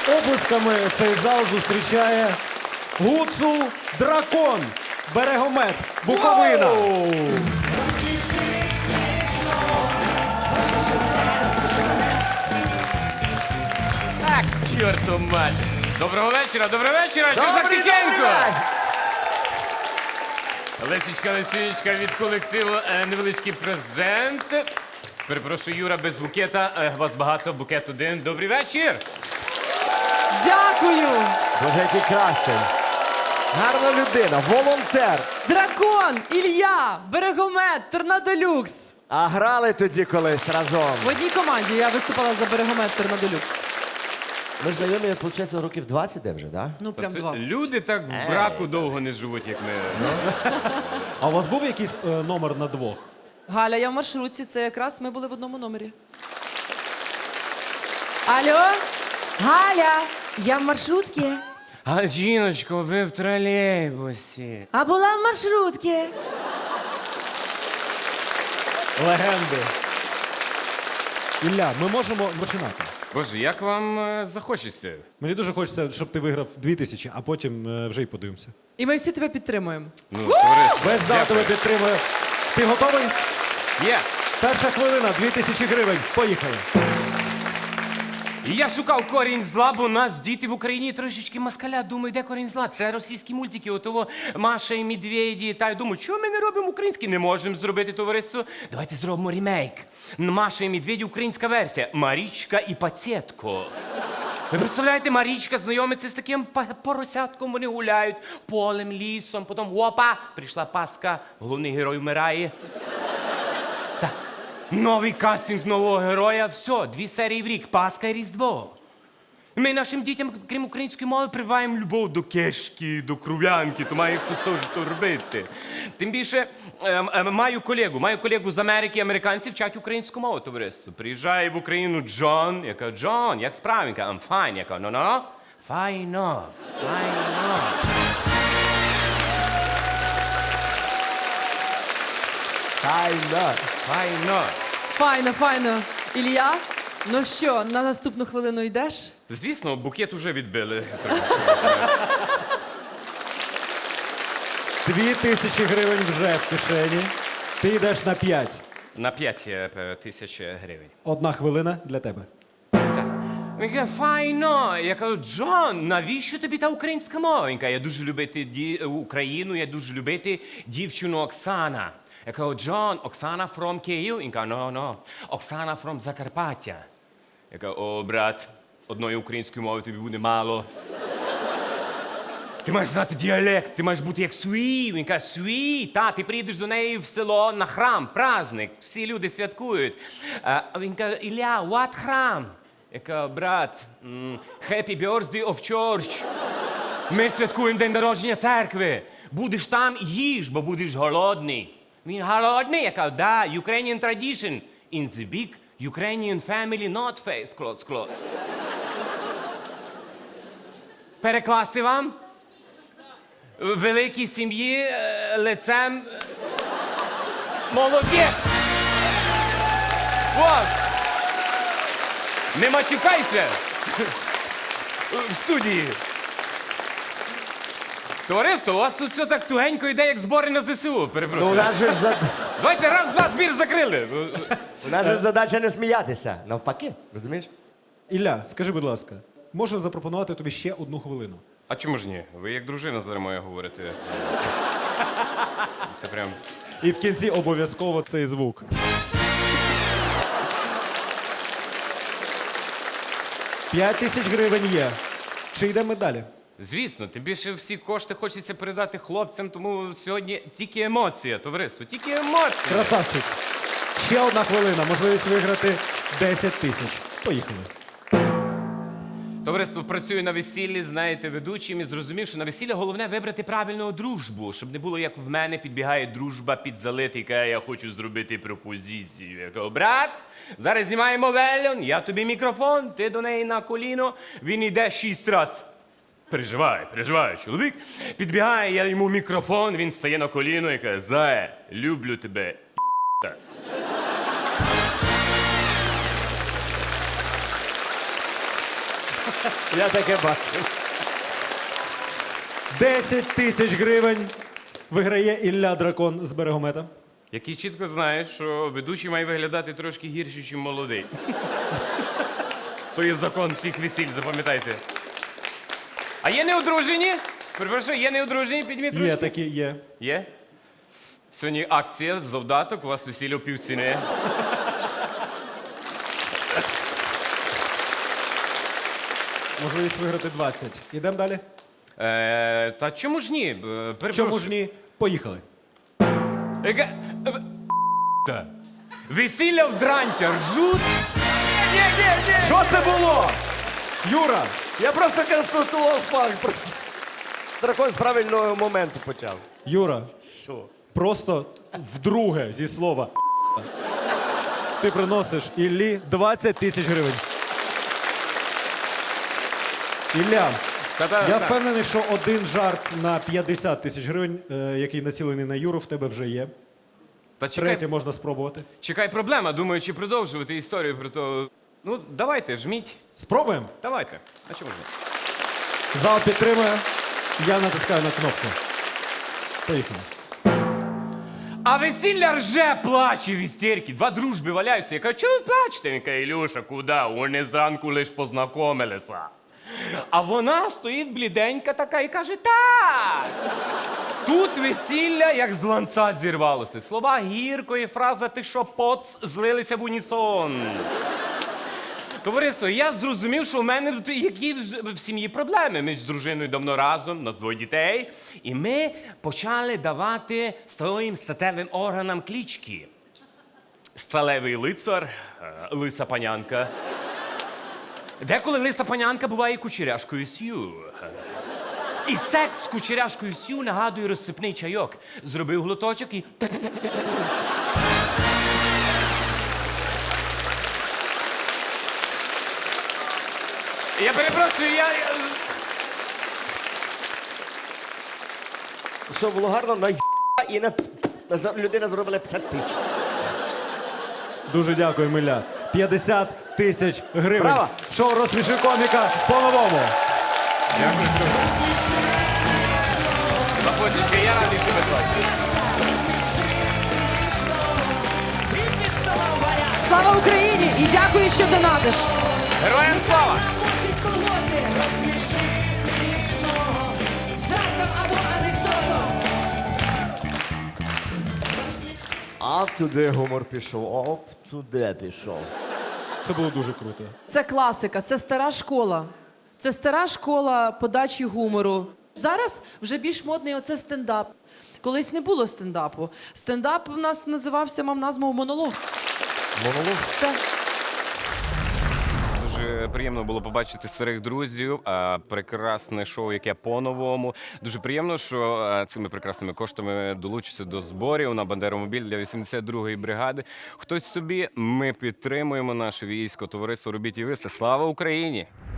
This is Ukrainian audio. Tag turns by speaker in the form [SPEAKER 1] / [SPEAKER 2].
[SPEAKER 1] Оплесками цей зал зустрічає Гуцул Дракон, Берегомет, Буковина.
[SPEAKER 2] Так, чорту мать. Доброго вечора, що за тихенько? Лесічка, Лесінечка, від колективу невеличкий презент. Перепрошую, Юра, без букета. Вас багато, букет один. Добрий вечір.
[SPEAKER 3] Дякую!
[SPEAKER 4] Боже, який красень. Гарна людина, волонтер.
[SPEAKER 3] Дракон, Ілля, Берегомет, Торнадолюкс.
[SPEAKER 4] А грали тоді колись разом.
[SPEAKER 3] В одній команді я виступала за Берегомет, Торнадолюкс.
[SPEAKER 4] Ми ж знайомі, виходить, років 20 де вже, так?
[SPEAKER 3] Ну, прям 20.
[SPEAKER 2] Люди так в браку довго не живуть, як ми.
[SPEAKER 1] А у вас був якийсь номер на двох?
[SPEAKER 3] Галя, я в маршрутці, це якраз ми були в одному номері. Алло? Галя, я в маршрутці.
[SPEAKER 2] А, жіночко, ви в тролейбусі.
[SPEAKER 3] А була в маршрутці.
[SPEAKER 1] Легенди. Ілля, ми можемо починати.
[SPEAKER 2] Боже, як вам захочеться?
[SPEAKER 1] Мені дуже хочеться, щоб ти виграв 2000, а потім вже й подивимося.
[SPEAKER 3] І ми всі тебе підтримуємо.
[SPEAKER 2] Ну, товариство.
[SPEAKER 1] Весь зал тебе
[SPEAKER 2] дякую.
[SPEAKER 1] підтримує. Ти готовий?
[SPEAKER 2] Є.
[SPEAKER 1] Перша хвилина, 2000 гривень. Поїхали.
[SPEAKER 2] І я шукав корінь зла, бо у нас діти в Україні трошечки москаля. Думаю, де корінь зла? Це російські мультики, отого Маша і Медведі. Та я думаю, чого ми не робимо українські? Не можемо зробити, товариство. Давайте зробимо ремейк. Маша і Медведі, українська версія. Марічка і Пацєтко. Ви представляєте, Марічка знайомиться з таким поросятком, вони гуляють полем, лісом, потім опа, прийшла Пасха, головний герой вмирає. Так. Новий кастинг нового героя, все, 2 серії в рік, Пасха і Різдво. Ми нашим дітям, крім української мови, прививаємо любов до кешки, до кров'янки, то має хтось теж то робити. Тим більше, маю колегу з Америки, американці вчать українську мову, товариство. Приїжджає в Україну Джон, я кажу, Джон, як справи? Він каже, I'm fine. Я кажу, no, файно. Файно.
[SPEAKER 3] Файно, файно. Ілля, ну що, на наступну хвилину йдеш?
[SPEAKER 2] Звісно, букет уже відбили.
[SPEAKER 1] 2000 гривень вже в кишені. Ти йдеш на 5.
[SPEAKER 2] На 5 тисяч гривень.
[SPEAKER 1] 1 хвилина для тебе.
[SPEAKER 2] Він каже, файно. Я кажу, Джон, навіщо тобі та українська мова? Він каже, я дуже любити Україну, я дуже любити дівчину Оксана. Я кажу, Джон, Оксана from Київ? Він каже, no, Оксана from Закарпаття. Я кажу, о, брат, одної української мови тобі буде мало. Ти маєш знати діалект, ти маєш бути як свій. Він каже, свій, та, ти приїдеш до неї в село на храм, праздник, всі люди святкують. Він каже, Ілля, what храм? Я кажу, брат, happy birthday of church. Ми святкуємо день народження церкви. Будеш там, їж, бо будеш голодний. Він голодний? Я кажу, да, Ukrainian tradition. In the big Ukrainian family, not face clothes. Перекласти вам? В великій сім'ї лицем... Молодець! Вот! Не матюкайся! В студії. Товариство, у вас тут все так тугенько йде, як збори на ЗСУ.
[SPEAKER 4] Ну, у
[SPEAKER 2] Перепрошую.
[SPEAKER 4] нас же
[SPEAKER 2] Давайте раз, два, збір закрили.
[SPEAKER 4] у нас же задача не сміятися. Навпаки, розумієш?
[SPEAKER 1] Ілля, скажи, будь ласка, можу запропонувати тобі ще 1 хвилину.
[SPEAKER 2] А чому ж ні? Ви як дружина зараз моя говорите. Це прям...
[SPEAKER 1] І в кінці обов'язково цей звук. П'ять тисяч гривень є. Чи йдемо далі?
[SPEAKER 2] Звісно, тим більше всі кошти хочеться передати хлопцям, тому сьогодні тільки емоція, товариство, тільки емоція.
[SPEAKER 1] Красавчик. Ще 1 хвилина, можливість виграти 10 тисяч. Поїхали.
[SPEAKER 2] Товариство, працюю на весіллі, знаєте, ведучим і зрозумів, що на весілля головне вибрати правильну дружбу, щоб не було, як в мене, підбігає дружба під залит і каже, я хочу зробити пропозицію. Я кажу, брат, зараз знімаємо вельон, я тобі мікрофон, ти до неї на коліно, він йде 6 разів. Переживай, чоловік. Підбігає, я йому мікрофон, він стає на коліно і каже, Зая, люблю тебе, так.
[SPEAKER 4] Я таке бачив.
[SPEAKER 1] 10 тисяч гривень виграє Ілля Дракон з Берегомета.
[SPEAKER 2] Який чітко знає, що ведучий має виглядати трошки гірше, ніж молодий. То є закон всіх весіль, запам'ятайте. А є неодружені? Перепрошую, є неодружені? Підніміть ручки.
[SPEAKER 1] Є такі, є.
[SPEAKER 2] Є? Сьогодні акція, завдаток, у вас весілля в півціни.
[SPEAKER 1] Можливість виграти 20. Ідемо далі?
[SPEAKER 2] Та чому ж ні? Перепрошую.
[SPEAKER 1] Чому ж ні? Поїхали.
[SPEAKER 2] Яка... Та. Весілля в дрантя ржуть.
[SPEAKER 1] Що це було? Юра,
[SPEAKER 4] Я просто констатував факт. Просто. Дракон з правильного моменту почав.
[SPEAKER 1] Юра,
[SPEAKER 4] Що?
[SPEAKER 1] просто вдруге зі слова ти приносиш Іллі 20 тисяч гривень. Ілля, я впевнений, що один жарт на 50 тисяч гривень, який націлений на Юру, в тебе вже є.
[SPEAKER 2] Та чекай,
[SPEAKER 1] Третє можна спробувати.
[SPEAKER 2] чекай, проблема. Думаю, чи продовжувати історію про то. Ну, давайте, жміть.
[SPEAKER 1] Спробуємо?
[SPEAKER 2] Давайте. А чому ж ні?
[SPEAKER 1] Зал підтримує. Я натискаю на кнопку. Поїхали.
[SPEAKER 2] А весілля рже, плаче в істерці. Два дружби валяються. Я кажу, чого ви плачете? Він каже, Ілюша, куди? Вони зранку лиш познайомилися. А вона стоїть бліденька така і каже, так. Тут весілля, як з ланца зірвалося. Слова гірко і фраза «ти що, поц» злилися в унісон. Товариство, я зрозумів, що в мене тут які в сім'ї проблеми. Ми ж з дружиною давно разом, у нас двоє дітей. І ми почали давати своїм статевим органам клички. Сталевий лицар, лиса панянка. Деколи лиса панянка буває кучеряшкою сю. І секс з кучеряшкою сю нагадує розсипний чайок. Зробив глоточок і... Я перепрошую,
[SPEAKER 4] Що було гарно, на і людина зробила 50 тисяч.
[SPEAKER 1] Дуже дякую, Ілля. 50 тисяч гривень.
[SPEAKER 4] Браво!
[SPEAKER 1] Шоу «Розсміши коміка» по-новому.
[SPEAKER 2] Заходьте, я радий, що ви тут.
[SPEAKER 3] Слава Україні! І дякую, що донатиш.
[SPEAKER 2] Героям слава!
[SPEAKER 5] Хочуть колоти, розсміши смішного, жартом або анекдотом.
[SPEAKER 4] А туди гумор пішов, оп, туди пішов.
[SPEAKER 1] Це було дуже круто.
[SPEAKER 3] Це класика, це стара школа. Це стара школа подачі гумору. Зараз вже більш модний оце стендап. Колись не було стендапу. Стендап у нас називався, мав назву монолог.
[SPEAKER 4] Монолог?
[SPEAKER 3] Все.
[SPEAKER 2] Дуже приємно було побачити старих друзів. Прекрасне шоу, яке по-новому. Дуже приємно, що цими прекрасними коштами долучиться до зборів на Бандеромобіль для 82-ї бригади. Хтось собі, ми підтримуємо наше військо, товариство «Робіть і ви». Це слава Україні!